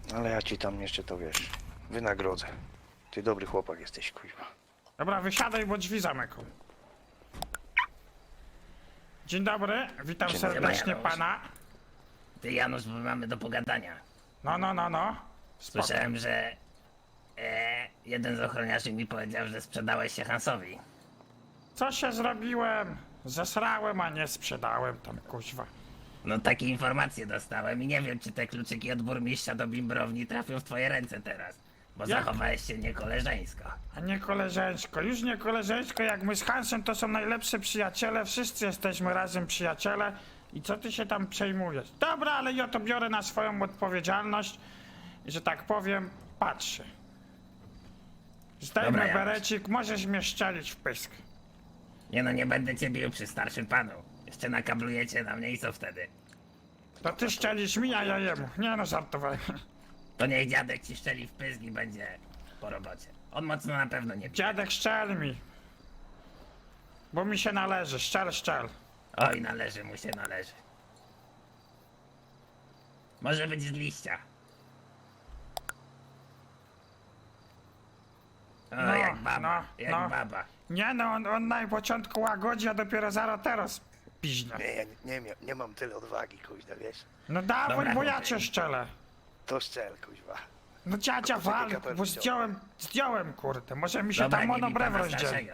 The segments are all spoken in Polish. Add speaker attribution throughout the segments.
Speaker 1: Ale ja ci tam jeszcze to wiesz, wynagrodzę. Ty dobry chłopak jesteś, kuźwa.
Speaker 2: Dobra, wysiadaj, bo drzwi zamykam. Dzień dobry, witam
Speaker 1: Dzień dobry,
Speaker 2: serdecznie
Speaker 3: Janusz.
Speaker 2: pana.
Speaker 3: Ty, Janusz, bo mamy do pogadania.
Speaker 2: No. Spoko.
Speaker 3: Słyszałem, że jeden z ochroniarzy mi powiedział, że sprzedałeś się Hansowi.
Speaker 2: Co się zrobiłem? Zesrałem, a nie sprzedałem tam, kuźwa.
Speaker 3: No takie informacje dostałem i nie wiem, czy te kluczyki od burmistrza do bimbrowni trafią w twoje ręce teraz. Bo
Speaker 2: Jak?
Speaker 3: zachowałeś się niekoleżeńsko.
Speaker 2: A nie koleżeńsko, już nie koleżeńsko, jak my z Hansem to są najlepsi przyjaciele, wszyscy jesteśmy razem przyjaciele. I co ty się tam przejmujesz? Dobra, ale ja to biorę na swoją odpowiedzialność i że tak powiem, patrzę. Zdejmę
Speaker 3: Dobra, Janusz.
Speaker 2: berecik, możesz mnie szczelić w pysk.
Speaker 3: Nie no, nie będę cię bił przy starszym panu. Jeszcze nakablujecie na mnie i co wtedy?
Speaker 2: To ty szczelisz mi, a ja jemu. Nie no, żartowałem.
Speaker 3: To niech dziadek ci szczeli w pysk i będzie po robocie. On mocno na pewno nie pije.
Speaker 2: Dziadek, szczel mi. Bo mi się należy, szczel.
Speaker 3: Oj, należy mu się, należy. Może być z liścia. O,
Speaker 2: No,
Speaker 3: jak baba,
Speaker 2: no,
Speaker 3: jak
Speaker 2: no.
Speaker 3: baba.
Speaker 2: Nie no, on na początku łagodzi, a dopiero zaraz teraz piźnia.
Speaker 1: Nie, ja nie mam tyle odwagi, kuźwa, wiesz.
Speaker 2: No dawaj,
Speaker 3: Dobra,
Speaker 2: bo ja
Speaker 3: chłopie.
Speaker 2: cię szczelę.
Speaker 1: To szczel, kuźwa.
Speaker 2: No dziadzia
Speaker 1: Tylko
Speaker 2: wal,
Speaker 1: kapelusz
Speaker 2: bo
Speaker 1: zdjąłem.
Speaker 2: zdjąłem kurde, może mi się
Speaker 3: Dobra,
Speaker 2: tam
Speaker 3: nie bij
Speaker 2: monobrew
Speaker 3: pana
Speaker 2: rozdzieli.
Speaker 3: starszego.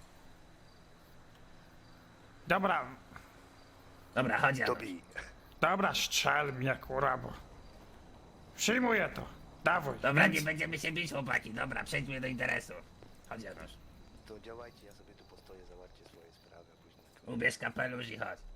Speaker 2: Dobra,
Speaker 3: Dobra, chodź
Speaker 1: To
Speaker 3: Janusz.
Speaker 1: bij.
Speaker 2: dobra, strzel mnie kurwa, bo... Przyjmuję to, dawaj.
Speaker 3: Dobra,
Speaker 2: Więc-
Speaker 3: nie będziemy się bić, chłopaki. Dobra, przejdźmy do interesu. Chodź Janusz.
Speaker 1: To działajcie, ja sobie tu postoję, załatwcie swoje sprawy, a później...
Speaker 3: Ubierz kapelusz i chodź.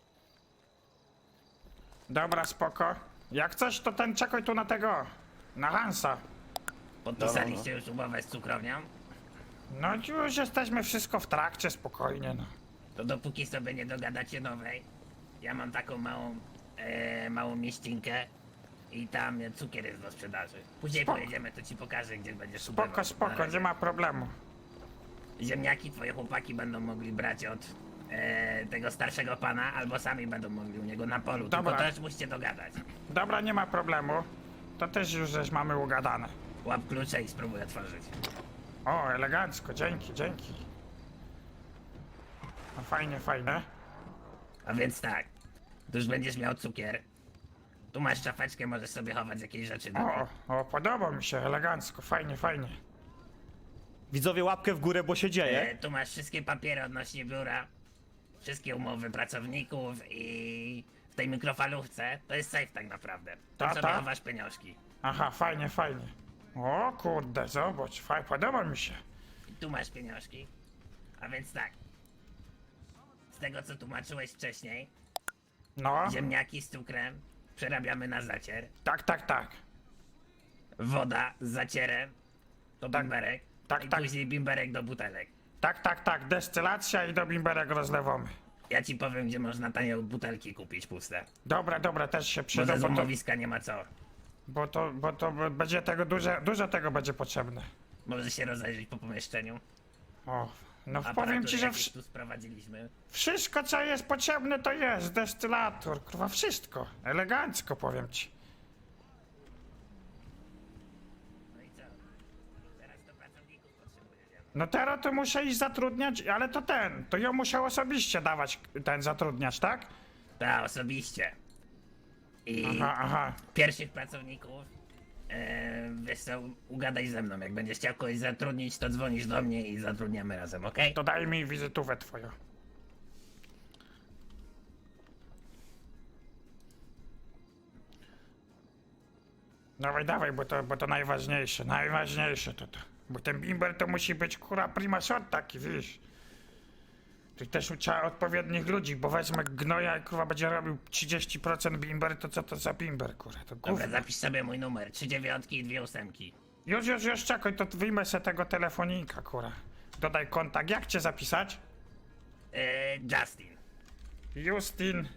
Speaker 2: Dobra, spoko. Jak coś, to ten czekaj tu na tego, na Hansa.
Speaker 3: Podpisaliście już umowę z cukrownią?
Speaker 2: No już jesteśmy wszystko w trakcie, spokojnie no.
Speaker 3: To dopóki sobie nie dogadacie nowej, ja mam taką małą mieścinkę i tam cukier jest do sprzedaży. Później
Speaker 2: Spoko.
Speaker 3: pojedziemy, to ci pokażę, gdzie będziesz
Speaker 2: Spoko,
Speaker 3: Na
Speaker 2: spoko,
Speaker 3: razie.
Speaker 2: nie ma problemu.
Speaker 3: Ziemniaki twoje chłopaki będą mogli brać od tego starszego pana, albo sami będą mogli u niego na polu.
Speaker 2: Dobra.
Speaker 3: Tylko też musicie dogadać.
Speaker 2: Dobra, nie ma problemu. To też już żeś mamy ugadane.
Speaker 3: Łap klucze i spróbuj otworzyć.
Speaker 2: O, elegancko, dzięki. No fajnie.
Speaker 3: A więc tak, tu już będziesz miał cukier. Tu masz szafeczkę, możesz sobie chować jakieś rzeczy do niej.
Speaker 2: O, podoba mi się, elegancko, fajnie.
Speaker 4: Widzowie, łapkę w górę, bo się dzieje.
Speaker 3: Tu masz wszystkie papiery odnośnie biura, wszystkie umowy pracowników i w tej mikrofalówce to jest safe tak naprawdę. Tam
Speaker 2: Ta,
Speaker 3: sobie
Speaker 2: ta.
Speaker 3: chowasz pieniążki.
Speaker 2: Aha, fajnie. O kurde, zobacz, podoba mi się.
Speaker 3: I tu masz pieniążki. A więc tak. Z tego co tłumaczyłeś wcześniej,
Speaker 2: No,
Speaker 3: ziemniaki z cukrem przerabiamy na zacier.
Speaker 2: tak.
Speaker 3: Woda z zacierem to bimberek.
Speaker 2: Tak,
Speaker 3: I
Speaker 2: tak.
Speaker 3: później bimberek do butelek.
Speaker 2: Tak, destylacja i do bimberek rozlewamy.
Speaker 3: Ja ci powiem, gdzie można tanie butelki kupić puste.
Speaker 2: Dobra, też się
Speaker 3: Bo
Speaker 2: przyda,
Speaker 3: ze
Speaker 2: bo to,
Speaker 3: złomowiska nie ma co.
Speaker 2: bo to będzie tego dużo tego będzie potrzebne.
Speaker 3: Może się rozejrzeć po pomieszczeniu.
Speaker 2: O, no powiem
Speaker 3: Aparatury
Speaker 2: ci, że
Speaker 3: jakieś tu sprowadziliśmy.
Speaker 2: wszystko co jest potrzebne to jest, destylator, kurwa, wszystko. Elegancko, powiem ci.
Speaker 3: No i co? Teraz to pracowników potrzebujesz.
Speaker 2: No teraz to muszę iść zatrudniać, ale to ja muszę osobiście dawać ten zatrudniać, tak?
Speaker 3: Tak, osobiście. I
Speaker 2: Aha.
Speaker 3: pierwszych pracowników, wiesz co, ugadaj ze mną. Jak będziesz chciał kogoś zatrudnić, to dzwonisz do mnie i zatrudniamy razem, okej?
Speaker 2: To daj mi wizytówę twoją. Dawaj, bo to najważniejsze to. Bo ten bimber to musi być kurwa prima sort taki, wiesz. Tu też trzeba odpowiednich ludzi, bo wezmę gnoja i kurwa będzie robił 30% bimber, to co to za bimber, kurwa, to
Speaker 3: Dobra,
Speaker 2: gówno.
Speaker 3: zapisz sobie mój numer. 3 dziewiątki i 2 ósemki.
Speaker 2: Już, czekaj, to wyjmę se tego telefonika, kurwa. Dodaj kontakt, jak cię zapisać?
Speaker 3: Justin.
Speaker 2: Justin.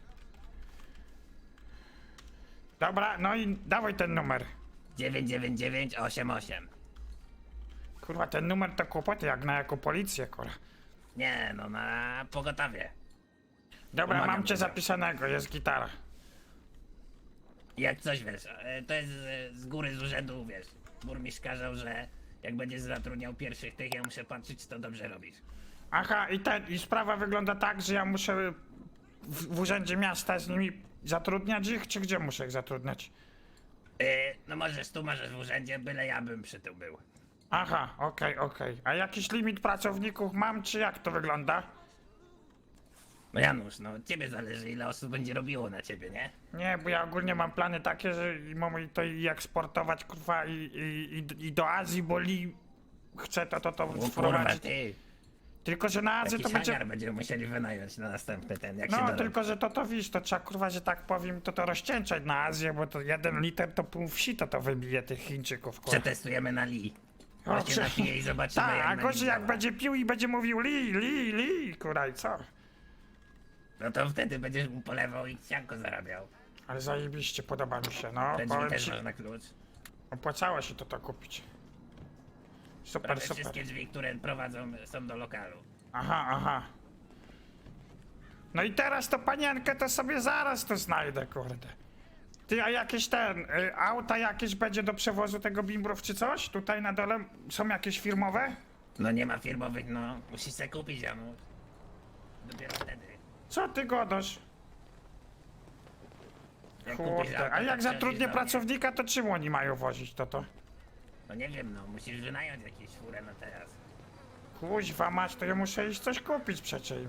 Speaker 2: Dobra, no i dawaj ten numer.
Speaker 3: 99988.
Speaker 2: Kurwa, ten numer to kłopoty jak na jako policję, kurwa.
Speaker 3: Nie, no na pogotowie.
Speaker 2: Dobra,
Speaker 3: Pomagam
Speaker 2: mam cię
Speaker 3: ci.
Speaker 2: zapisanego, jest gitara.
Speaker 3: Jak coś wiesz, to jest z góry, z urzędu, wiesz. Burmistrz kazał, że jak będziesz zatrudniał pierwszych tych, ja muszę patrzeć, czy to dobrze robisz.
Speaker 2: Aha, i sprawa wygląda tak, że ja muszę w urzędzie miasta z nimi zatrudniać ich, czy gdzie muszę ich zatrudniać?
Speaker 3: No możesz tu, możesz w urzędzie, byle ja bym przy tym był.
Speaker 2: Aha, okej. A jakiś limit pracowników mam, czy jak to wygląda?
Speaker 3: No Janusz, no od ciebie zależy, ile osób będzie robiło na ciebie, nie?
Speaker 2: Nie, bo ja ogólnie mam plany takie, że mam to i eksportować, kurwa, i do Azji, bo chcę to
Speaker 3: O kurwa,
Speaker 2: wprowadzić.
Speaker 3: ty.
Speaker 2: Tylko, że na Azję
Speaker 3: Jakiś
Speaker 2: to będzie...
Speaker 3: hangar będziemy musieli wynająć na następny ten, jak się
Speaker 2: No,
Speaker 3: dorobi.
Speaker 2: tylko, że to wiesz, to trzeba, kurwa, że tak powiem, to rozcieńczać na Azję, bo to 1 liter to pół wsi to wybije tych Chińczyków, kurwa.
Speaker 3: Przetestujemy na Li.
Speaker 2: O,
Speaker 3: Właśnie
Speaker 2: prze-
Speaker 3: napiję i zobaczymy,
Speaker 2: Tak,
Speaker 3: jak
Speaker 2: a
Speaker 3: na
Speaker 2: gorzej
Speaker 3: Li
Speaker 2: jak
Speaker 3: działa.
Speaker 2: będzie pił i będzie mówił li, kurwa, i co?
Speaker 3: No to wtedy będziesz mu polewał i sianko zarabiał.
Speaker 2: Ale zajebiście, podoba mi się, no,
Speaker 3: Te drzwi
Speaker 2: powiem
Speaker 3: też
Speaker 2: ci,
Speaker 3: można klucz.
Speaker 2: opłacało się to kupić. Super,
Speaker 3: Prawie
Speaker 2: super.
Speaker 3: wszystkie drzwi, które prowadzą, są do lokalu.
Speaker 2: Aha. No i teraz to panienkę to sobie zaraz to znajdę, kurde. Ty, a jakieś auta jakieś będzie do przewozu tego bimbrów czy coś? Tutaj na dole są jakieś firmowe?
Speaker 3: No nie ma firmowych, no. Musisz se kupić, Janusz. Dopiero wtedy.
Speaker 2: Co ty godasz?
Speaker 3: Jak kupisz
Speaker 2: Kurde,
Speaker 3: auto,
Speaker 2: a
Speaker 3: to
Speaker 2: jak
Speaker 3: przychodzisz
Speaker 2: zatrudnię
Speaker 3: do mnie.
Speaker 2: pracownika, to czym oni mają wozić to?
Speaker 3: No nie wiem, no. Musisz wynająć jakieś furę na teraz.
Speaker 2: Kuźwa mać, to ja muszę iść coś kupić przecież.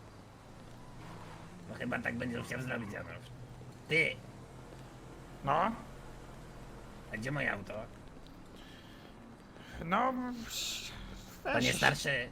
Speaker 3: No chyba tak będziesz chciał zrobić, Janusz. Ty,
Speaker 2: No,
Speaker 3: a gdzie moje auto?
Speaker 2: no...
Speaker 3: Panie
Speaker 2: Weź.
Speaker 3: starszy.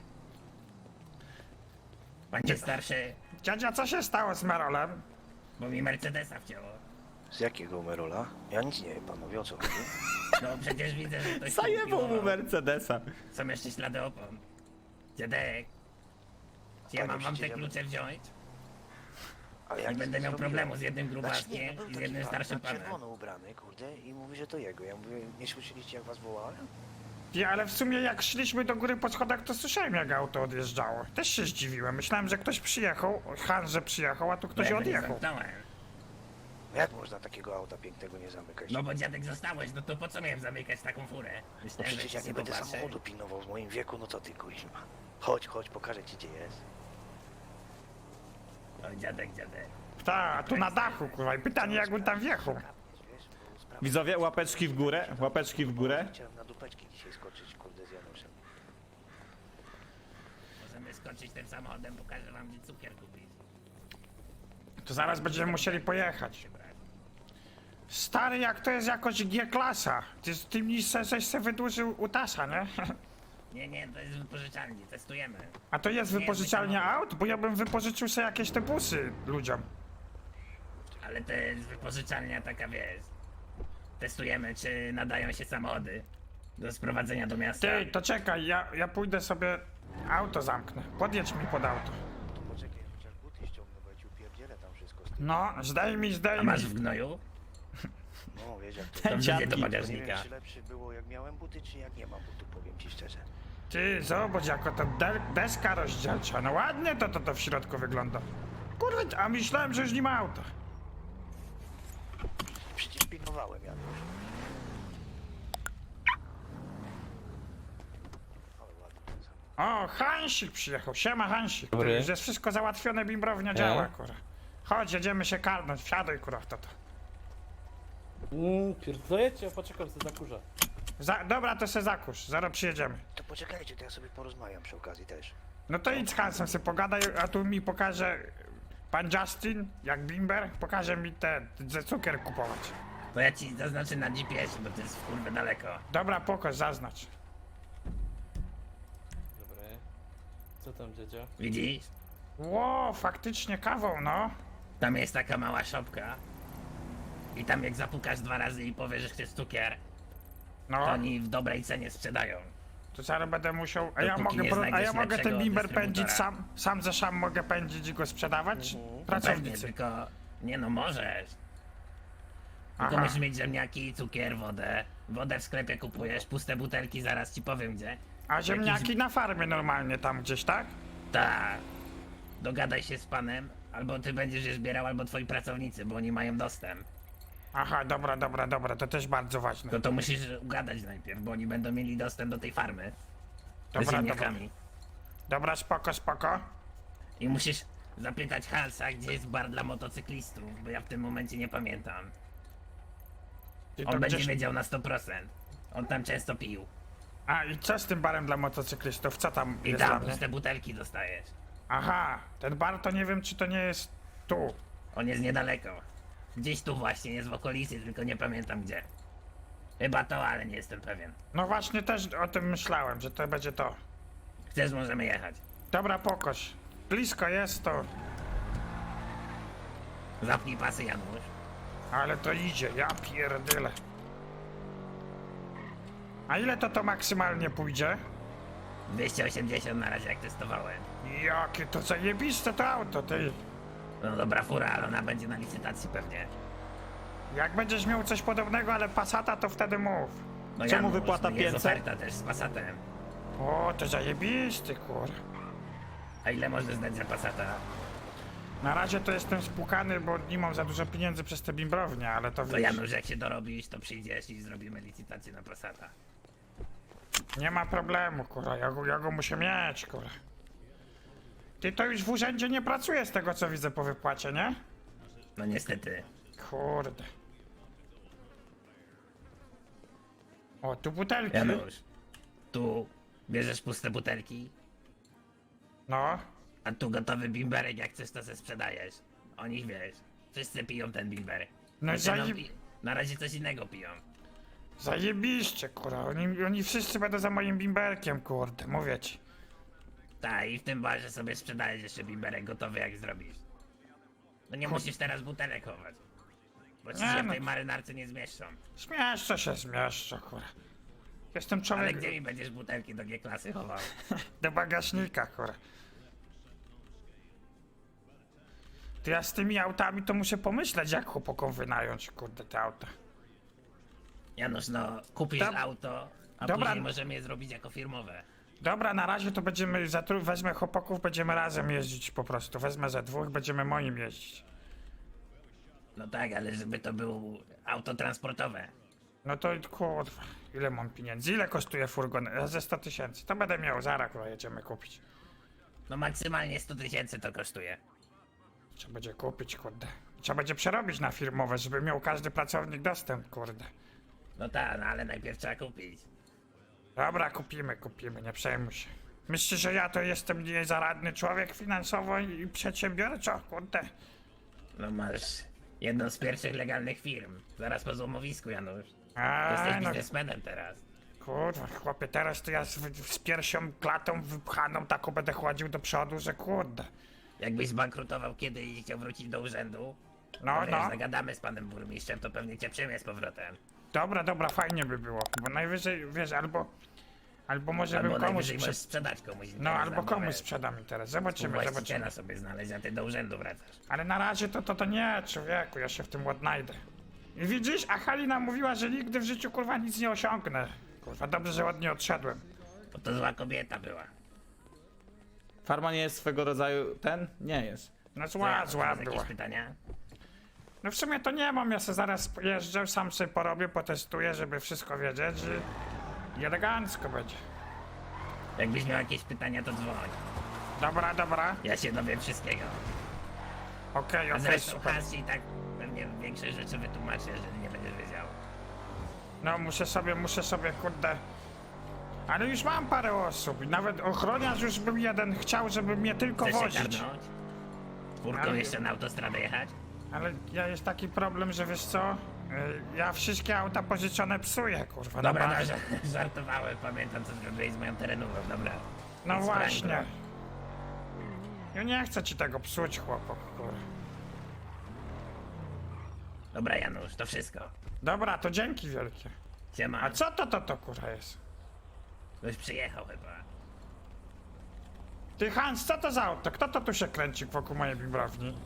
Speaker 3: Panie starszy,
Speaker 2: Dziadzia, co się stało z Merolem?
Speaker 3: bo mi Mercedesa wcięło.
Speaker 1: Z jakiego Merola? Ja nic nie wiem, panowie, o co chodzi?
Speaker 3: No przecież widzę, że ktoś tu
Speaker 4: Zajebał mu
Speaker 3: piłował.
Speaker 4: Mercedesa.
Speaker 3: Są jeszcze ślady opon. Dziadek. Czy ja
Speaker 1: Panie,
Speaker 3: mam wam te
Speaker 1: przecież ja-
Speaker 3: klucze wziąć?
Speaker 1: Ale ja
Speaker 3: Nie
Speaker 1: nic
Speaker 3: będę miał
Speaker 1: zrobiłem.
Speaker 3: problemu z jednym
Speaker 1: Znaczy,
Speaker 3: grubaskiem
Speaker 1: nie, no był
Speaker 3: i z
Speaker 1: taki
Speaker 3: jednym
Speaker 1: pan
Speaker 3: starszym
Speaker 1: na
Speaker 3: panem.
Speaker 1: czerwono ubrany, kurde, i mówi, że to jego. Ja mówię, nie słyszeliście jak was wołałem?
Speaker 2: Ja, ale w sumie jak szliśmy do góry po schodach, to słyszałem jak auto odjeżdżało. Też się zdziwiłem. Myślałem, że ktoś przyjechał, Hanże przyjechał, a tu ktoś
Speaker 3: Ja go nie
Speaker 2: odjechał.
Speaker 3: zamknąłem.
Speaker 1: Jak można takiego auta pięknego nie zamykać?
Speaker 3: No bo dziadek zostałeś, no to po co miałem zamykać taką furę?
Speaker 1: No
Speaker 3: Myślałem, że
Speaker 1: przecież
Speaker 3: ci
Speaker 1: ja nie
Speaker 3: się
Speaker 1: będę
Speaker 3: popatrzy.
Speaker 1: samochodu pilnował w moim wieku, no to ty kuźma. Chodź, pokażę ci gdzie jest.
Speaker 3: No dziadek.
Speaker 2: Tak, tu na dachu, kurwa. I pytanie, jak on tam wjechał.
Speaker 1: Wiesz, bo sprawa-
Speaker 4: Widzowie, łapeczki w górę, łapeczki w górę.
Speaker 1: Chciałem na dupeczki dzisiaj skoczyć, kurde, z Januszem.
Speaker 3: Możemy skoczyć tym samochodem, pokażę wam gdzie cukier kupić.
Speaker 2: To zaraz będziemy musieli pojechać.
Speaker 3: Się brać.
Speaker 2: Stary, jak to jest jakoś G-klasa. Ty mi żeś se wydłużył utasa, nie?
Speaker 3: Nie, to jest z wypożyczalni, testujemy.
Speaker 2: A to jest
Speaker 3: Nie,
Speaker 2: wypożyczalnia
Speaker 3: my
Speaker 2: aut? Bo ja bym wypożyczył sobie jakieś te busy ludziom.
Speaker 3: Ale to jest wypożyczalnia taka, wiesz. Testujemy, czy nadają się samochody do sprowadzenia do miasta.
Speaker 2: Ty, to czekaj, ja pójdę sobie auto zamknę. Podjedź mi pod auto.
Speaker 1: To poczekaj, chociaż buty ściągnę, bo ja ci upierdzielę tam wszystko z tym.
Speaker 2: No, zdejmij.
Speaker 3: A masz w gnoju?
Speaker 1: No, wiesz jak to
Speaker 3: To
Speaker 1: jest.
Speaker 3: wrzucę do
Speaker 1: To nie wiem,
Speaker 3: bagażnika.
Speaker 1: czy lepsze było jak miałem buty, czy jak nie mam butów, powiem ci szczerze.
Speaker 2: Ty, zobacz, jako ta deska rozdzielcza. No ładnie to w środku wygląda. Kurde, a myślałem, że już nie ma auta.
Speaker 1: Przecież pilnowałem, Janusz. Ale ładny ten samochód.
Speaker 2: O, Hansik przyjechał. Siema, Hansik.
Speaker 5: Dobry.
Speaker 2: Już jest wszystko załatwione, bimbrownia działa, kurwa. Chodź, jedziemy się karnąć. Wsiadaj, kurwa, w to.
Speaker 5: Pierdolecie, ja poczekam sobie za kurza.
Speaker 2: Dobra, to se zakusz. Zaraz przyjedziemy.
Speaker 1: To poczekajcie, to ja sobie porozmawiam przy okazji też.
Speaker 2: No to idź z Hansem sobie pogadaj, a tu mi pokaże pan Justin, jak bimber, pokaże mi te cukier kupować.
Speaker 3: To ja ci zaznaczę na GPS, bo to jest w kurwę daleko.
Speaker 2: Dobra, pokaż, zaznacz.
Speaker 5: Dobry. Co tam, dziadzia?
Speaker 3: Widzisz?
Speaker 2: Ło, faktycznie kawą, no.
Speaker 3: Tam jest taka mała szopka. I tam jak zapukasz 2 razy i powiesz, że chcesz cukier,
Speaker 2: No,
Speaker 3: to oni w dobrej cenie sprzedają.
Speaker 2: to zaraz będę musiał. A ja
Speaker 3: Dopóki
Speaker 2: mogę,
Speaker 3: nie
Speaker 2: a ja
Speaker 3: znajdziesz
Speaker 2: mogę ten
Speaker 3: lepszego
Speaker 2: bimber pędzić
Speaker 3: dystrybutora.
Speaker 2: sam ze sam mogę pędzić i go sprzedawać?
Speaker 3: Pewnie,
Speaker 2: Pracownicy.
Speaker 3: tylko... Nie no, możesz. Tylko
Speaker 2: Aha.
Speaker 3: musisz mieć ziemniaki, cukier, wodę. Wodę w sklepie kupujesz, puste butelki, zaraz ci powiem gdzie.
Speaker 2: A ziemniaki na farmie normalnie tam gdzieś, tak?
Speaker 3: Tak. Dogadaj się z panem, albo ty będziesz je zbierał, albo twoi pracownicy, bo oni mają dostęp.
Speaker 2: Aha, dobra, to też bardzo ważne.
Speaker 3: To musisz ugadać najpierw, bo oni będą mieli dostęp do tej farmy. Z
Speaker 2: Dobra,
Speaker 3: ziemniakami.
Speaker 2: Dobra, spoko.
Speaker 3: I musisz zapytać Halsa, gdzie jest bar dla motocyklistów, bo ja w tym momencie nie pamiętam.
Speaker 2: I
Speaker 3: On
Speaker 2: to
Speaker 3: będzie
Speaker 2: gdzieś...
Speaker 3: wiedział na 100%. On tam często pił.
Speaker 2: A, i co z tym barem dla motocyklistów? Co tam
Speaker 3: I
Speaker 2: jest dla
Speaker 3: tam
Speaker 2: mnie?
Speaker 3: puste butelki dostajesz.
Speaker 2: Aha, ten bar to nie wiem, czy to nie jest tu.
Speaker 3: On jest niedaleko. Gdzieś tu właśnie, jest w okolicy, tylko nie pamiętam gdzie. Chyba to, ale nie jestem pewien.
Speaker 2: No właśnie też o tym myślałem, że to będzie to.
Speaker 3: Chcesz, możemy jechać.
Speaker 2: Dobra, pokoś. Blisko jest to,
Speaker 3: Zapnij pasy, Janusz.
Speaker 2: ale to idzie, ja pierdyle. A ile to maksymalnie pójdzie?
Speaker 3: 280 na razie jak testowałem.
Speaker 2: Jakie to zajebiste to auto, ty.
Speaker 3: No dobra fura, ale ona będzie na licytacji pewnie.
Speaker 2: Jak będziesz miał coś podobnego, ale Passata, to wtedy mów.
Speaker 3: No
Speaker 4: Czemu wypłata
Speaker 3: no jest
Speaker 4: 500?
Speaker 3: oferta też z Passatem.
Speaker 2: O, to zajebisty, kur.
Speaker 3: A ile możesz dać za Passata?
Speaker 2: Na razie to jestem spłukany, bo nie mam za dużo pieniędzy przez te bimbrownie, ale to
Speaker 3: To
Speaker 2: wiesz,
Speaker 3: Janusz, jak się dorobisz, to przyjdziesz i zrobimy licytację na Passata.
Speaker 2: nie ma problemu, kurwa, ja go muszę mieć, kurwa. Ty to już w urzędzie nie pracuje z tego, co widzę po wypłacie, nie?
Speaker 3: No niestety.
Speaker 2: Kurde. O, tu butelki.
Speaker 3: Janusz, tu bierzesz puste butelki,
Speaker 2: No,
Speaker 3: a tu gotowy bimberek, jak chcesz to se sprzedajesz. Oni wiesz, wszyscy piją ten bimberek.
Speaker 2: No i
Speaker 3: Znaczy,
Speaker 2: zajeb-
Speaker 3: na razie coś innego piją.
Speaker 2: zajebiście, kurwa. Oni wszyscy będą za moim bimberkiem, kurde, mówię ci.
Speaker 3: Tak, i w tym barze sobie sprzedajesz jeszcze bimberek gotowy, jak zrobisz. No nie musisz teraz butelek chować. Bo ci
Speaker 2: Nie,
Speaker 3: się w
Speaker 2: no.
Speaker 3: tej marynarce nie zmieszczą.
Speaker 2: Zmieszczę, kurwa. Jestem
Speaker 3: Ale
Speaker 2: człowiek
Speaker 3: gdzie mi będziesz butelki do G-klasy chował?
Speaker 2: do bagażnika, kurwa. To ja z tymi autami to muszę pomyśleć, jak chłopakom wynająć, kurde, te auta.
Speaker 3: Janusz, no kupisz
Speaker 2: Dob-
Speaker 3: auto, a
Speaker 2: Dobra.
Speaker 3: później możemy je zrobić jako firmowe.
Speaker 2: Dobra, na razie to będziemy, wezmę chłopaków, będziemy razem jeździć po prostu. Wezmę ze dwóch, będziemy moim jeździć.
Speaker 3: No tak, ale żeby to było auto transportowe.
Speaker 2: No to kurwa, ile mam pieniędzy? Ile kosztuje furgon? Ze 100 000. To będę miał, zaraz kurwa jedziemy kupić.
Speaker 3: No maksymalnie 100 000 to kosztuje.
Speaker 2: Trzeba będzie kupić, kurde. Trzeba będzie przerobić na firmowe, żeby miał każdy pracownik dostęp, kurde.
Speaker 3: No tak, no ale najpierw trzeba kupić.
Speaker 2: Dobra, kupimy, nie przejmuj się. Myślisz, że ja to jestem niezaradny człowiek finansowo i przedsiębiorczo, kurde?
Speaker 3: No masz jedną z pierwszych legalnych firm. Zaraz po złomowisku, Janusz.
Speaker 2: A,
Speaker 3: Jesteś
Speaker 2: no,
Speaker 3: biznesmenem teraz.
Speaker 2: kurwa, chłopie, teraz to ja z piersią klatą wypchaną taką będę chłodził do przodu, że kurde.
Speaker 3: Jakbyś zbankrutował kiedyś i chciał wrócić do urzędu,
Speaker 2: No,
Speaker 3: to wiesz,
Speaker 2: no.
Speaker 3: zagadamy z panem burmistrzem, to pewnie cię przyjmie z powrotem.
Speaker 2: Dobra, fajnie by było, bo najwyżej, wiesz, albo może
Speaker 3: Albo
Speaker 2: bym komuś
Speaker 3: najwyżej możesz sprzedać komuś.
Speaker 2: No,
Speaker 3: interes
Speaker 2: albo
Speaker 3: na
Speaker 2: komuś
Speaker 3: umowę.
Speaker 2: sprzedam teraz, zobaczymy.
Speaker 3: Właściciela sobie znaleźć, a ty do urzędu wracasz.
Speaker 2: Ale na razie to nie, człowieku, ja się w tym odnajdę. I widzisz, a Halina mówiła, że nigdy w życiu, kurwa, nic nie osiągnę. Kurwa, dobrze, że od niej odszedłem.
Speaker 3: Bo to zła kobieta była.
Speaker 4: Farma nie jest swego rodzaju ten? Nie jest.
Speaker 2: No
Speaker 3: Co,
Speaker 2: zła
Speaker 3: Janusz, masz
Speaker 2: była.
Speaker 3: jakieś pytania?
Speaker 2: No w sumie to nie mam, ja sobie zaraz pojeżdżę, sam sobie porobię, potestuję, żeby wszystko wiedzieć i elegancko będzie.
Speaker 3: Jakbyś miał jakieś pytania, to dzwoń.
Speaker 2: Dobra,
Speaker 3: Ja się dowiem wszystkiego.
Speaker 2: okej,
Speaker 3: A zresztą
Speaker 2: super.
Speaker 3: Hans ci tak pewnie większość rzeczy wytłumaczy, jeżeli nie będziesz wiedział.
Speaker 2: No muszę sobie, kurde... Ale już mam parę osób i nawet ochroniarz już był jeden, chciał, żeby mnie tylko
Speaker 3: Chcesz się
Speaker 2: wozić.
Speaker 3: karnąć? Czwórką
Speaker 2: Ale-
Speaker 3: jeszcze na autostradę jechać?
Speaker 2: Ale ja jest taki problem, że wiesz co? Ja wszystkie auta pożyczone psuję, kurwa. na
Speaker 3: Dobra, no,
Speaker 2: bazie.
Speaker 3: żartowałem, pamiętam co zrobiłeś z moją terenówką, dobra.
Speaker 2: No
Speaker 3: Więc
Speaker 2: właśnie.
Speaker 3: prańko.
Speaker 2: Ja nie chcę ci tego psuć, chłopak, kurwa.
Speaker 3: Dobra Janusz, to wszystko.
Speaker 2: Dobra, to dzięki wielkie.
Speaker 3: Siema.
Speaker 2: A co to kurwa jest?
Speaker 3: Ktoś przyjechał chyba.
Speaker 2: Ty Hans, co to za auto? Kto to tu się kręci wokół mojej bimbrowni?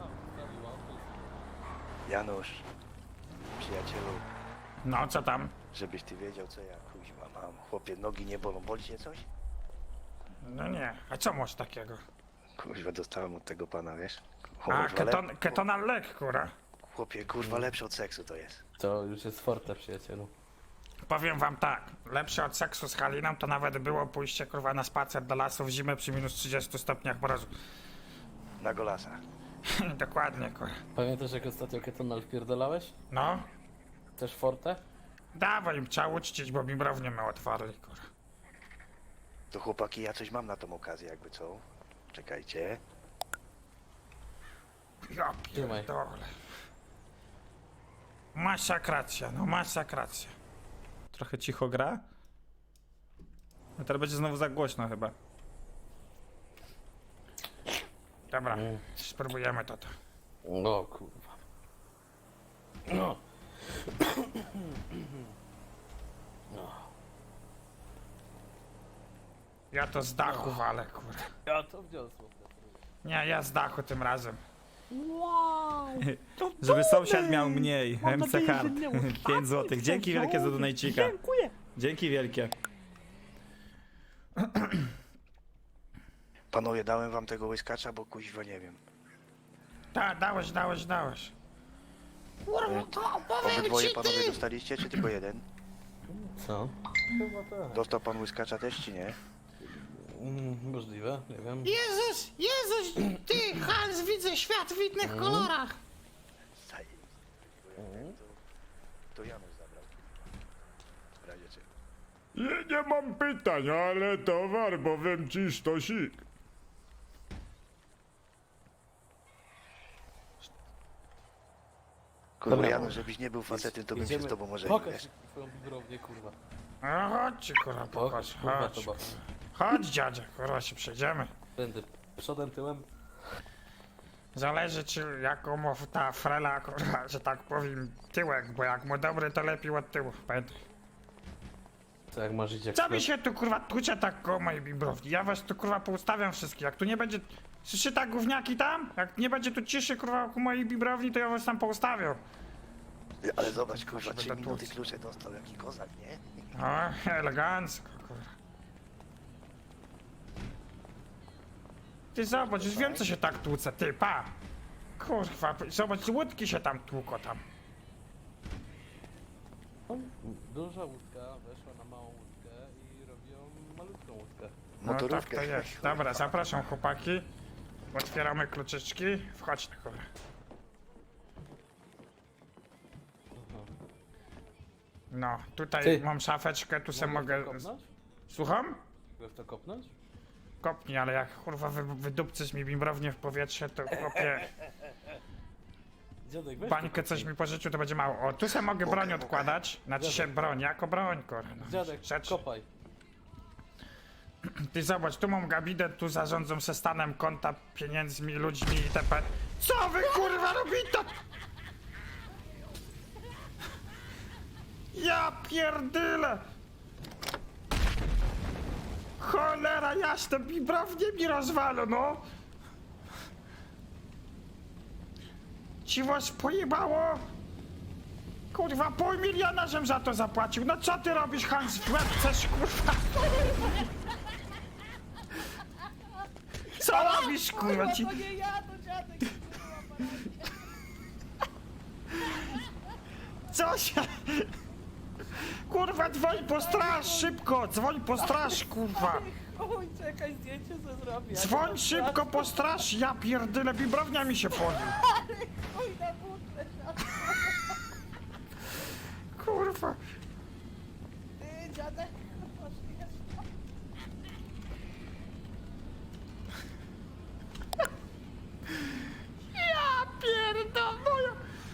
Speaker 1: Janusz, przyjacielu,
Speaker 2: No, co tam?
Speaker 1: żebyś ty wiedział, co ja kuźma mam. Chłopie, nogi nie bolą. Boli cię coś?
Speaker 2: No nie, a co masz takiego?
Speaker 1: Kuźwa, dostałem od tego pana, wiesz?
Speaker 2: A,
Speaker 1: Kuźwa,
Speaker 2: ketonal lek, kurwa.
Speaker 1: Chłopie, kurwa, lepsze od seksu to jest.
Speaker 5: To już jest forte, przyjacielu.
Speaker 2: Powiem wam tak, lepsze od seksu z Haliną to nawet było pójście kurwa na spacer do lasu w zimę przy minus 30 stopniach mrozu.
Speaker 1: Na golasa.
Speaker 2: Dokładnie, kurwa.
Speaker 5: Pamiętasz jak ostatnio ketonal wpierdolałeś?
Speaker 2: No,
Speaker 5: Też forte?
Speaker 2: dawaj im, trzeba uczcić, bo mi brownie my otwarli, kurwa.
Speaker 1: To chłopaki, ja coś mam na tą okazję, jakby co? Czekajcie.
Speaker 2: Ja
Speaker 5: Trzymaj.
Speaker 2: pierdolę. Masakracja, no masakracja.
Speaker 4: Trochę cicho gra. A teraz będzie znowu za głośno chyba.
Speaker 2: Dobra, spróbujemy to.
Speaker 5: No kurwa. No.
Speaker 2: Ja to z dachu walę, kurwa.
Speaker 5: Ja to wniosło.
Speaker 2: Nie, ja z dachu tym razem.
Speaker 4: Żeby sąsiad miał mniej. MC Hard. 5 zł. Dzięki wielkie za donajcika. Dziękuję. Dzięki wielkie.
Speaker 1: Panowie, dałem wam tego łyskacza, bo kuźwa nie wiem.
Speaker 2: Tak, dałeś.
Speaker 1: Obydwoje panowie dostaliście, czy tylko jeden?
Speaker 5: Co? Chyba tak.
Speaker 1: Dostał pan łyskacza też, czy nie?
Speaker 5: Możliwe, nie wiem.
Speaker 2: Jezus, ty, Hans, widzę świat w innych kolorach.
Speaker 1: To Janusz zabrał. W razie czego.
Speaker 2: Nie mam pytań, ale towar, powiem ci, sztosik.
Speaker 1: Kurwa,
Speaker 5: Dobra.
Speaker 1: Janusz, żebyś nie był facetem, to bym się z tobą może nie,
Speaker 5: Pokaż
Speaker 1: wiesz.
Speaker 5: twoją bibrownię, kurwa.
Speaker 2: No chodźcie, kurwa,
Speaker 5: Pokaż,
Speaker 2: pokaż,
Speaker 5: kurwa,
Speaker 2: chodź.
Speaker 5: to ba.
Speaker 2: Chodź, dziadzie, kurwa, się przejdziemy.
Speaker 5: Będę przodem, tyłem.
Speaker 2: Zależy ci jaką ma ta frela, kurwa, że tak powiem, tyłek, bo jak mu dobry, to lepiej od tyłu, pamiętaj.
Speaker 5: Co jak masz iść jak
Speaker 2: Co mi
Speaker 5: sklep?
Speaker 2: się tu, kurwa, tłucze tak koło mojej bibrowni? Ja was tu, kurwa, poustawiam wszystkich, jak tu nie będzie... Słyszy tak gówniaki tam? Jak nie będzie tu ciszy, kurwa, ku mojej bibrowni, to ja was tam poustawiam.
Speaker 1: Ale zobacz, kurwa,
Speaker 2: Żeby
Speaker 1: 3
Speaker 2: to
Speaker 1: minuty
Speaker 2: tłuc.
Speaker 1: klucze dostał, jaki kozak, nie?
Speaker 2: O, elegancko, kurwa. Ty zobacz, już wiem co się tak tłuce, ty, pa! Kurwa, zobacz, łódki się tam tłuko tam.
Speaker 5: Duża łódka weszła na małą łódkę i robią malutką łódkę.
Speaker 2: No tak
Speaker 1: Motorówkę.
Speaker 2: to jest. Dobra, zapraszam chłopaki. Otwieramy kluczyczki. Wchodź, kurwa. No, tutaj
Speaker 5: Ty.
Speaker 2: mam szafeczkę, tu se
Speaker 5: Mogę
Speaker 2: mogę...
Speaker 5: w to kopnąć?
Speaker 2: Słucham?
Speaker 5: Mogę w to kopnąć?
Speaker 2: Kopnij, ale jak kurwa wydupcysz mi bimbrownię w powietrze, to chłopie,
Speaker 5: Dziadek, weź
Speaker 2: bańkę
Speaker 5: to
Speaker 2: coś
Speaker 5: kopnij.
Speaker 2: mi pożyczył, to będzie mało. O, tu se mogę broń odkładać. Znaczy się broń, jako broń, kurwa. No.
Speaker 5: Dziadek,
Speaker 2: Rzecz.
Speaker 5: kopaj.
Speaker 2: Ty zobacz, tu mam gabinet, tu zarządzam se stanem konta, pieniędzmi, ludźmi itp. Co wy kurwa robicie? Ja pierdyle! Cholera jasna, bibrownie mi rozwalą, no! Ci was pojebało? Kurwa, 500 000 żem za to zapłacił. No co ty robisz, Hans, w łeb chcesz, kurwa? Co robisz, kurwa? Ci...
Speaker 6: To nie ja, to dziadek.
Speaker 2: Co się... Kurwa, dzwoń po straż, szybko! Dzwoń po straż, kurwa!
Speaker 6: Oj, czekaj, zdjęcie co zrobię.
Speaker 2: Dzwoń szybko po straż! Ja pierdolę, bibrownia mi się poli!
Speaker 6: Oj, na butlę.
Speaker 2: Kurwa!
Speaker 6: Ty, dziadek. Poszli.
Speaker 2: Ja pierdolę!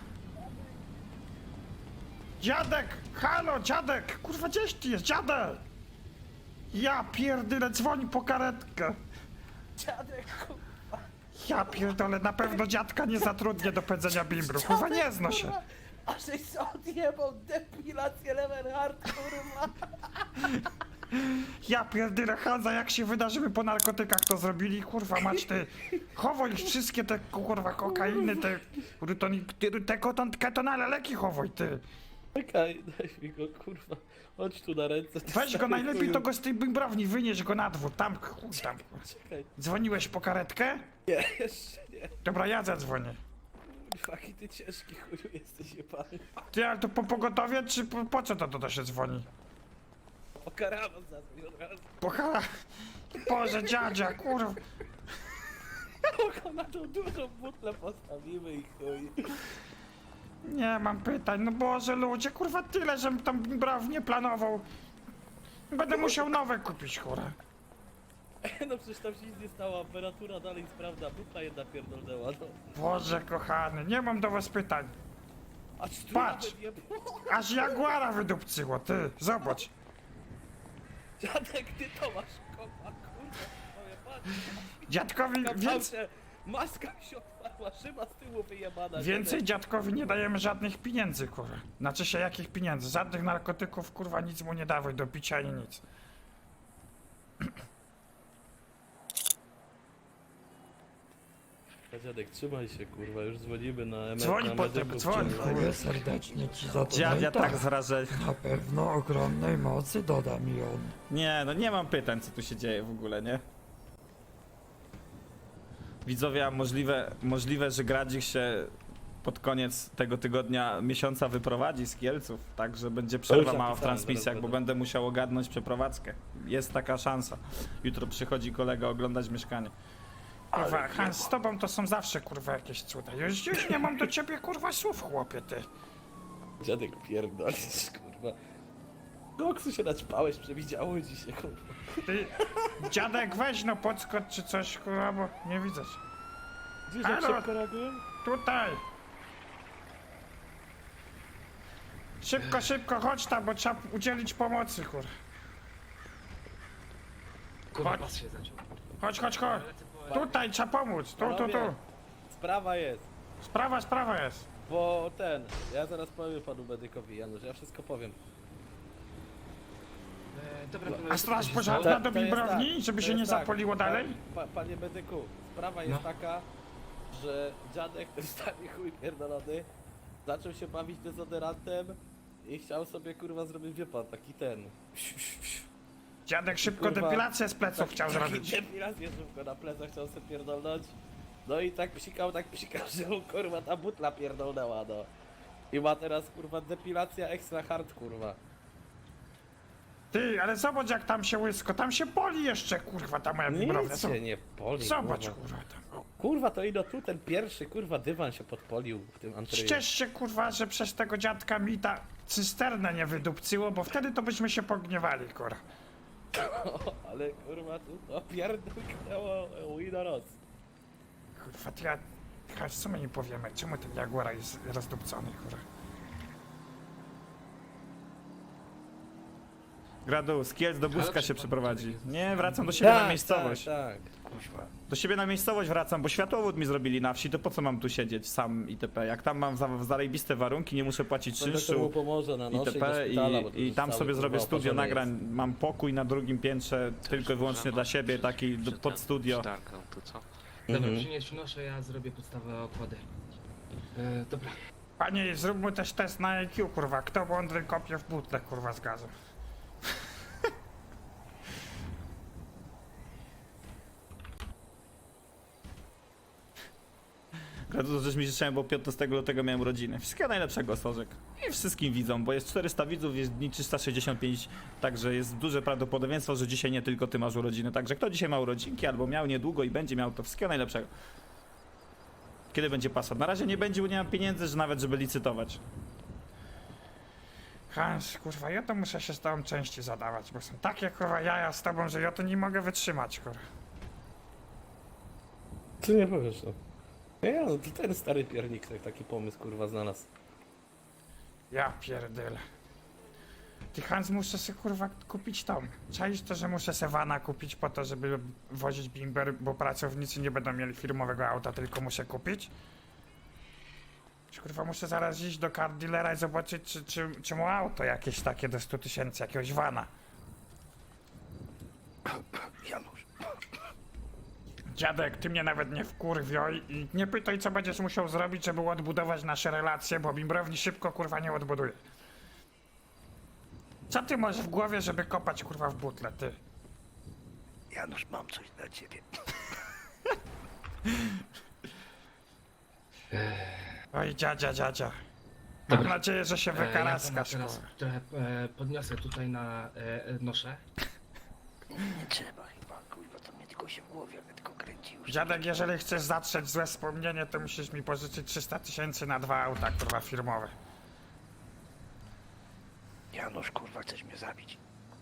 Speaker 2: Dziadek! Halo, dziadek! Kurwa, gdzieś ty jest, dziadek! Ja pierdolę, dzwoń po karetkę!
Speaker 6: Dziadek,
Speaker 2: Ja pierdolę, na pewno dziadka nie zatrudnię do pędzenia bimbru. Kurwa, nie zno się!
Speaker 6: kurwa. A żeś se odjebał depilację Levenhard, kurwa.
Speaker 2: Ja pierdolę, Hanza, jak się wyda, żeby po narkotykach to zrobili, kurwa mać ty. Chowaj wszystkie te kurwa kokainy, te ketonale leki chowaj ty.
Speaker 5: Czekaj, daj mi go, kurwa. Chodź tu na ręce.
Speaker 2: Weź go najlepiej, to go z tej bimbrowni wynieś go na dwór, tam, chuj tam.
Speaker 5: Czekaj.
Speaker 2: Dzwoniłeś po karetkę?
Speaker 5: Nie, jeszcze nie.
Speaker 2: Dobra, ja zadzwonię.
Speaker 6: Kurwa, jaki ty ciężki chuju jesteś jebany.
Speaker 2: Ty, ale to po pogotowie, czy po co to się dzwoni?
Speaker 6: O karawan zadzwoń od razu.
Speaker 2: Pochara... Boże, dziadzia, kurwa.
Speaker 6: Kogo na tą dużą butlę postawimy i chuj.
Speaker 2: Nie mam pytań, no Boże, ludzie, kurwa, tyle, żem tam bimbrownię planował. Będę musiał nowe kupić, kurwa.
Speaker 6: No przecież tam się nic nie stało, temperatura dalej sprawdza, butla jedna pierdolnęła, no.
Speaker 2: Boże, kochany, nie mam do was pytań.
Speaker 6: A czy tu
Speaker 2: Patrz!
Speaker 6: nawet nie było?
Speaker 2: Aż jaguara wydupcyło, ty, zobacz.
Speaker 6: Dziadek, ty to masz kopa, kurwa, twoje patrz.
Speaker 2: Dziadkowi
Speaker 6: Maska mi się otwarła, szyba z tyłu wyjebana.
Speaker 2: więcej dziadkowi nie dajemy żadnych pieniędzy, kurwa. Znaczy się jakich pieniędzy? Żadnych narkotyków, kurwa, nic mu nie dawaj do picia ani nic.
Speaker 6: Dziadek, trzymaj się, kurwa, już dzwonimy na
Speaker 2: Dzwoń
Speaker 6: na
Speaker 2: potem,
Speaker 6: medyków,
Speaker 2: dzwoń.
Speaker 6: kurwa.
Speaker 7: Dziękuję serdecznie ci za to.
Speaker 4: Dziadzia
Speaker 7: No i
Speaker 4: tak z wrażenia.
Speaker 7: Na pewno ogromnej mocy doda mi on.
Speaker 4: Nie, no nie mam pytań, co tu się dzieje w ogóle, nie? Widzowie, a możliwe, że Gradzik się pod koniec tego tygodnia, miesiąca wyprowadzi z Kielców, tak, że będzie przerwa
Speaker 6: już
Speaker 4: mała w
Speaker 6: napisałem,
Speaker 4: transmisjach,
Speaker 6: zaraz
Speaker 4: bo
Speaker 6: będę.
Speaker 4: będę musiał ogarnąć przeprowadzkę. Jest taka szansa. Jutro przychodzi kolega oglądać mieszkanie.
Speaker 2: Kurwa, Hans, z tobą to są zawsze, kurwa, jakieś cuda. Już nie mam do ciebie, kurwa, słów, chłopie, ty.
Speaker 6: Dziadek pierdolisz, kurwa. Koksu się naćpałeś, przewidziało ci się, kurwa.
Speaker 2: Ty, dziadek, weź no podskocz czy coś, kurwa, bo nie widzę cię.
Speaker 6: Gdzieś
Speaker 2: Halo?
Speaker 6: jak szybko reagują?
Speaker 2: Tutaj. Szybko, szybko, chodź tam, bo trzeba udzielić pomocy, kurwa. Chodź. Chodź. Tutaj trzeba pomóc, tu.
Speaker 6: Sprawa jest,
Speaker 2: Sprawa jest.
Speaker 6: bo ja zaraz powiem panu medykowi, Janusz, ja wszystko powiem.
Speaker 2: A straż pożarna do
Speaker 6: To jest
Speaker 2: bimbrowni,
Speaker 6: tak,
Speaker 2: żeby
Speaker 6: to
Speaker 2: się nie
Speaker 6: jest tak.
Speaker 2: zapoliło dalej?
Speaker 6: Panie medyku, sprawa jest taka, że dziadek, ten stary chuj pierdolony, zaczął się bawić dezodorantem i chciał sobie, kurwa, zrobić, wie pan, taki
Speaker 2: Dziadek szybko
Speaker 6: Kurwa,
Speaker 2: depilację z pleców chciał zrobić.
Speaker 6: Depilację szybko na plecach chciał sobie pierdolnąć. No i tak psikał, że mu, kurwa, ta butla pierdolnęła, no. I ma teraz, kurwa, depilacja extra hard, kurwa.
Speaker 2: Ty, ale zobacz jak tam się łysko, tam się boli jeszcze, kurwa, ta moja bimbrownia.
Speaker 6: Nic się nie poli,
Speaker 2: Zobacz,
Speaker 6: kurwa.
Speaker 2: kurwa, tam.
Speaker 6: Kurwa, to ino tu ten pierwszy, kurwa, dywan się podpolił w tym antreju.
Speaker 2: Ścież się, kurwa, że przez tego dziadka mi ta cysternę nie wydupcyło, bo wtedy to byśmy się pogniewali, kurwa.
Speaker 6: Ale, kurwa, tu to pierdolnęło Winoros.
Speaker 2: Kurwa, to ja co my nie powiemy, czemu ten jaguar jest rozdupcony, kurwa.
Speaker 4: Gradu, z Kielc do Buzka się przeprowadzi. Nie, wracam do siebie na miejscowość.
Speaker 6: Tak.
Speaker 4: Do siebie na miejscowość wracam, bo światłowód mi zrobili na wsi, to po co mam tu siedzieć sam itp. Jak tam mam zarejbiste warunki, nie muszę płacić
Speaker 6: To mu
Speaker 4: czynszu
Speaker 6: pomoże na nosze
Speaker 4: itp.
Speaker 6: i do szpitala, bo to
Speaker 4: I
Speaker 6: już
Speaker 4: tam
Speaker 6: cały,
Speaker 4: sobie
Speaker 6: kurwa,
Speaker 4: zrobię studio
Speaker 6: oparzony
Speaker 4: nagrań.
Speaker 6: jest.
Speaker 4: Mam pokój na drugim piętrze, tylko i wyłącznie dla siebie, taki pod studio.
Speaker 8: Tak, to co?
Speaker 9: Dobra,
Speaker 6: Mhm.
Speaker 9: przynoszę, ja zrobię podstawę okłady. Dobra.
Speaker 2: Panie, zrób mu też test na IQ, kurwa, kto mądry kopie w butle, kurwa, z gazu.
Speaker 4: Gradu, to żeś mi życzyłem, bo 15 lutego miałem urodziny. Wszystkiego najlepszego, Sorzek. I wszystkim widzom, bo jest 400 widzów, jest dni 365, także jest duże prawdopodobieństwo, że dzisiaj nie tylko ty masz urodziny. Także kto dzisiaj ma urodzinki, albo miał niedługo i będzie miał, to wszystkiego najlepszego. Kiedy będzie pasat? Na razie nie będzie, bo nie mam pieniędzy, że nawet żeby licytować.
Speaker 2: Hans, kurwa, ja to muszę się z tobą częściej zadawać, bo są takie, kurwa, jaja z tobą, że ja to nie mogę wytrzymać, kurwa.
Speaker 6: Ty nie powiesz, no. Ja, no to ten stary piernik taki pomysł, kurwa, znalazł.
Speaker 2: Ja pierdolę. Ty, Hans, muszę sobie, kurwa, kupić tą. Czaisz to, że muszę se vana kupić po to, żeby wozić bimber, bo pracownicy nie będą mieli firmowego auta, tylko muszę kupić? Kurwa, muszę zaraz iść do car dealera i zobaczyć, czy mu auto jakieś takie do 100 000, jakiegoś vana.
Speaker 1: Janusz,
Speaker 2: Dziadek, ty mnie nawet nie wkurwioj i nie pytaj, co będziesz musiał zrobić, żeby odbudować nasze relacje, bo bimbrowni szybko, kurwa, nie odbuduje. Co ty masz w głowie, żeby kopać, kurwa, w butle, ty?
Speaker 1: Janusz, mam coś dla ciebie.
Speaker 2: Oj, dziadzia. Mam
Speaker 9: Dobra.
Speaker 2: nadzieję, że się
Speaker 9: Ja pana
Speaker 2: wykaraskasz,
Speaker 9: teraz
Speaker 2: kurwa.
Speaker 9: trochę podniosę tutaj na noszę.
Speaker 1: Nie trzeba chyba, kurwa, to mnie tylko się w głowie, ale tylko kręci już.
Speaker 2: Dziadek, jeżeli chcesz zatrzeć złe wspomnienie, to musisz mi pożyczyć 300 000 na 2 auta, kurwa, firmowe.
Speaker 1: Janusz, kurwa, chcesz mnie zabić.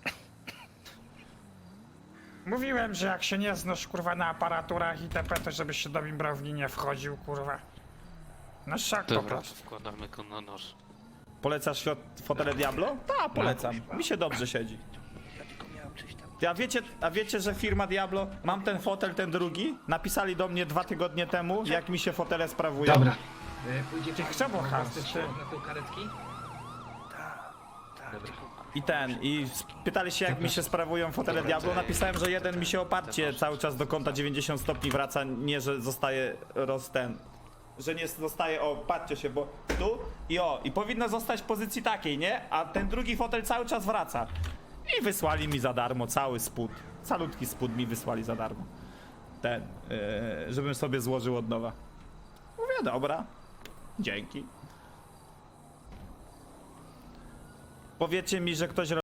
Speaker 2: Mówiłem, że jak się nie znasz, kurwa, na aparaturach itp., to żebyś się do bimbrowni nie wchodził, kurwa. No szok po prostu.
Speaker 8: Wkładamy go na nóż.
Speaker 4: Polecasz fotele Diablo? Tak, polecam. Mi się dobrze siedzi.
Speaker 1: Ja tylko miałem coś tam.
Speaker 4: A wiecie, że firma Diablo, mam ten fotel, ten drugi? Napisali do mnie 2 tygodnie temu, jak mi się fotele sprawują.
Speaker 9: Dobra. Pójdzie pan
Speaker 2: chcę, bo
Speaker 9: na
Speaker 2: Hans,
Speaker 9: własny
Speaker 2: ty.
Speaker 9: ślub na tą karetki?
Speaker 1: Tak,
Speaker 9: Dobra.
Speaker 4: I pytali się, jak mi się sprawują fotele Diablo. Napisałem, że jeden mi się oparcie cały czas do kąta 90 stopni wraca, nie, że zostaje że nie zostaje, patrzcie się, bo tu i powinno zostać w pozycji takiej, nie? A ten drugi fotel cały czas wraca. I wysłali mi za darmo cały spód. Calutki spód mi wysłali za darmo. Żebym sobie złożył od nowa. Mówię, dobra. Dzięki. Powiedzcie mi, że ktoś